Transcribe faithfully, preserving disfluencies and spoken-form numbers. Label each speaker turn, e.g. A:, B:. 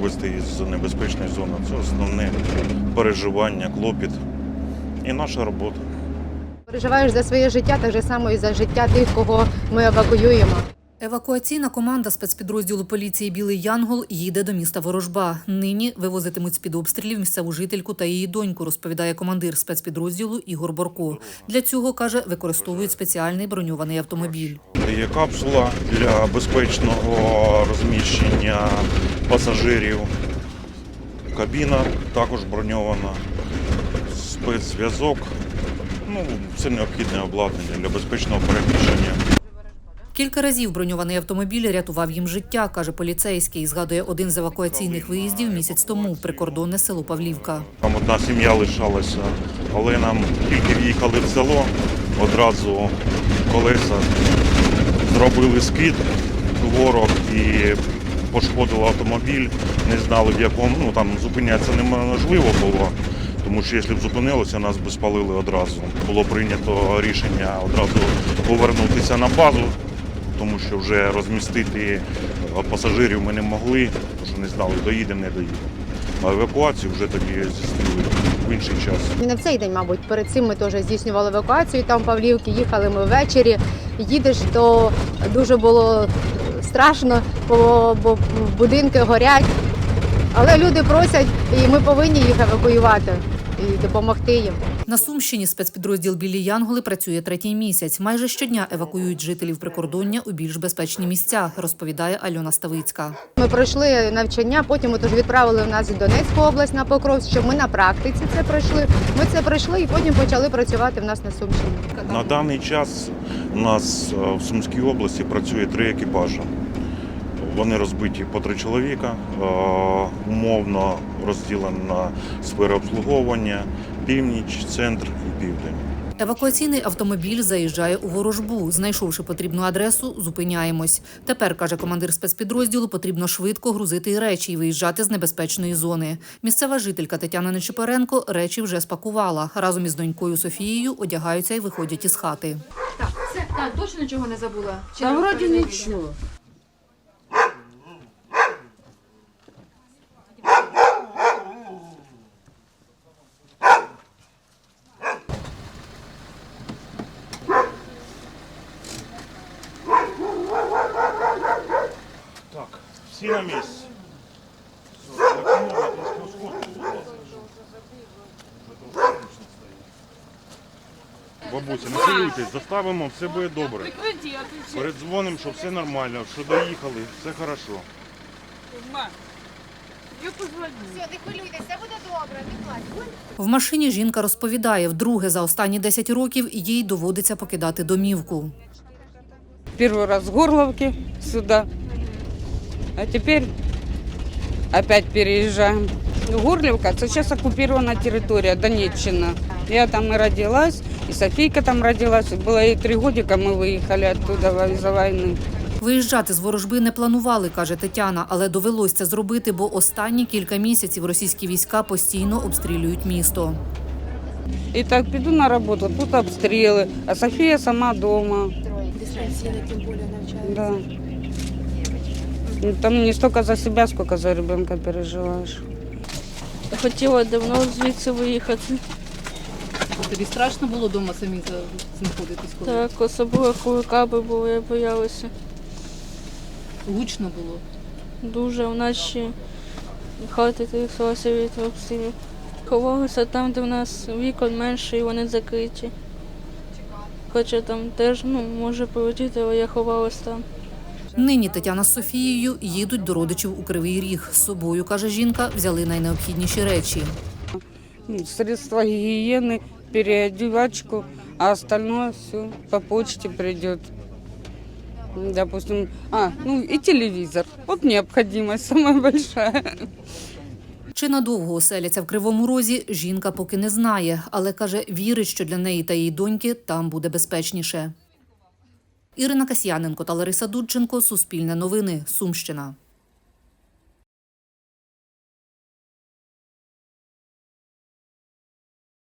A: вивезти із небезпечної зони. Це основне переживання, клопіт і наша робота.
B: Переживаєш за своє життя, так же само і за життя тих, кого ми евакуюємо.
C: Евакуаційна команда спецпідрозділу поліції «Білий Янгол» їде до міста Ворожба. Нині вивозитимуть з-під обстрілів місцеву жительку та її доньку, розповідає командир спецпідрозділу Ігор Борко. Для цього, каже, використовують спеціальний броньований автомобіль.
A: Є капсула для безпечного розміщення пасажирів. Кабіна також броньована, спецзв'язок. Ну, це необхідне обладнання для безпечного переміщення.
C: Кілька разів броньований автомобіль рятував їм життя, каже поліцейський. Згадує один з евакуаційних виїздів місяць тому в прикордонне село Павлівка.
A: Там одна сім'я лишалася, але нам тільки в'їхали в село, одразу колеса зробили скид, ворог, і пошкодило автомобіль. Не знали, в якому, ну там зупинятися неможливо було, тому що якщо б зупинилося, нас би спалили одразу. Було прийнято рішення одразу повернутися на базу, тому що вже розмістити пасажирів ми не могли, тому що не знали, доїдемо, не доїдемо. А евакуацію вже тоді здійснили в інший час.
B: І не в цей день, мабуть, перед цим ми теж здійснювали евакуацію, там в Павлівці, їхали ми ввечері. Їдеш, то дуже було страшно, бо, бо будинки горять. Але люди просять, і ми повинні їх евакуювати і допомогти їм.
C: На Сумщині спецпідрозділ «Білі Янголи» працює третій місяць. Майже щодня евакуюють жителів прикордоння у більш безпечні місця, розповідає Альона Ставицька.
B: Ми пройшли навчання, потім тож відправили нас в Донецьку область на Покровськ, щоб ми на практиці це пройшли. Ми це пройшли і потім почали працювати в нас на Сумщині.
A: На даний час у нас в Сумській області працює три екіпажі. Вони розбиті по три чоловіка, умовно розділені на сфери обслуговування, північ, центр і південь.
C: Евакуаційний автомобіль заїжджає у Ворожбу. Знайшовши потрібну адресу, зупиняємось. Тепер, каже командир спецпідрозділу, потрібно швидко грузити речі і виїжджати з небезпечної зони. Місцева жителька Тетяна Нечипоренко речі вже спакувала. Разом із донькою Софією одягаються і виходять із хати.
D: Так, все, так, точно нічого не забула? Чи
E: Та
D: не
E: вроді
D: перевірила?
E: нічого.
A: Так, всі на місці. Все, так, можна трошки ускорити, будь ласка. Вже трошки гучно стає. Бабуся, не хвилюйтесь, заставимо, все буде добре. Передзвонимо, що все нормально, що доїхали, все хорошо.
B: Все, не хвилюйтесь, все буде добре, не плачте.
C: В машині жінка розповідає, вдруге за останні десять років їй доводиться покидати домівку.
E: Первый раз с Горловки сюда, а теперь опять переезжаем. Горловка – это сейчас оккупирована территория, Донеччина. Я там и родилась, и Софийка там родилась. Было ей три годика, мы выехали оттуда из-за войны.
C: Виїжджати з Ворожби не планували, каже Тетяна, але довелося це зробити, бо останні кілька місяців російські війська постійно обстрілюють місто.
E: И так піду на роботу, тут обстріли, а Софія сама дома. Да. Там не столько за себя, сколько за ребенка переживаешь.
F: Хотіла давно звідси виїхати.
G: Тобі страшно було вдома самі знаходитись? Коли?
F: Так, особливо коли каби були, я боялася.
G: Гучно було?
F: Дуже вночі хати тряслася від обстрілів. Ховалися там, де в нас вікон менше і вони закриті. Хоча там теж ну, може полетіти, але я ховалась там.
C: Нині Тетяна з Софією їдуть до родичів у Кривий Ріг. З собою, каже жінка, взяли найнеобхідніші речі.
E: Средства гигиены, переодевачку, а остальное все по почте придет. Допустим, а, ну и телевизор. Вот необходимость самая большая.
C: Чи надовго оселяться в Кривому Розі, жінка поки не знає, але, каже, вірить, що для неї та її доньки там буде безпечніше. Ірина Касьяненко та Лариса Дудченко. Суспільне новини. Сумщина.